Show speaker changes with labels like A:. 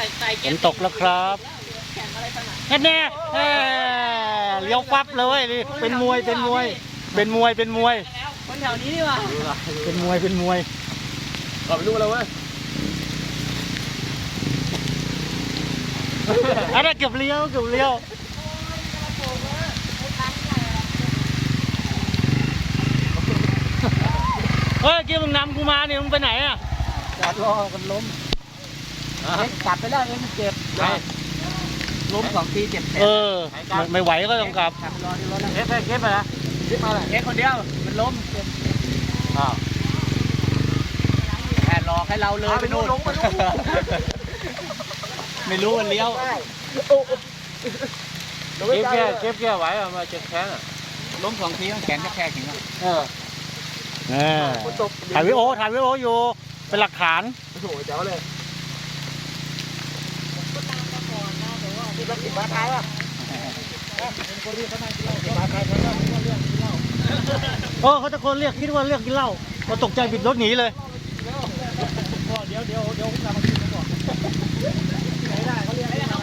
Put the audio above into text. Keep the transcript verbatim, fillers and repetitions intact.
A: ฝนตกแล้วครับแน่แน่เลี้ยวปั๊บเลยนี่เป็นมวยเป็นมวยเป็นมวยเป็นมวย
B: คนแถวนี้ดีกว่า
A: เป็นมวยเป็นมวย
C: กลับไปดูแล้วเว้ย
A: อะไรเก็บเลี้ยวเก็บเลี้ยวเฮ้ยกี้มึงนำกูมาเนี่ยมึงไปไหนอ่ะ
C: จอดรอกันล้ม
B: กลับไปแล้วเองเจ็บล้มสองทีเจ็บแผล
A: เออไม่ไหวก็ต้องกลับ
B: รอที่รถแล้ว
C: เก็บไปเก็บไปนะเก็บมาเลย
B: เอ็กคนเดียวมันล้มเจ็บ
C: อ้าว
B: แค่รอให้เราเลยไปนู่นไม่รู้มันเลี้ยว
C: เก็บแก่เก็บแก่ไหวอ่ะมาเจ็บแขนอ่ะ
B: ล้มสองทีแขนแค่แข็งอ่ะ
C: เออ
A: ถ่ายวิดีโอถ่ายวิดีโออยู่เป็นหลักฐาน
C: โอ้โหเจ๋วเลย
B: ที่รถติดบ้านท้ายอ่ะ
A: เออเขาตะโกนเรียกคิดว่าเรียกกินเหล้าเราตกใจบิดรถหนีเลย
B: เดี๋ยวเดี๋ยวเดี๋ยวผมจะมากินก่อนไหนได้เขาเรียกให้เรา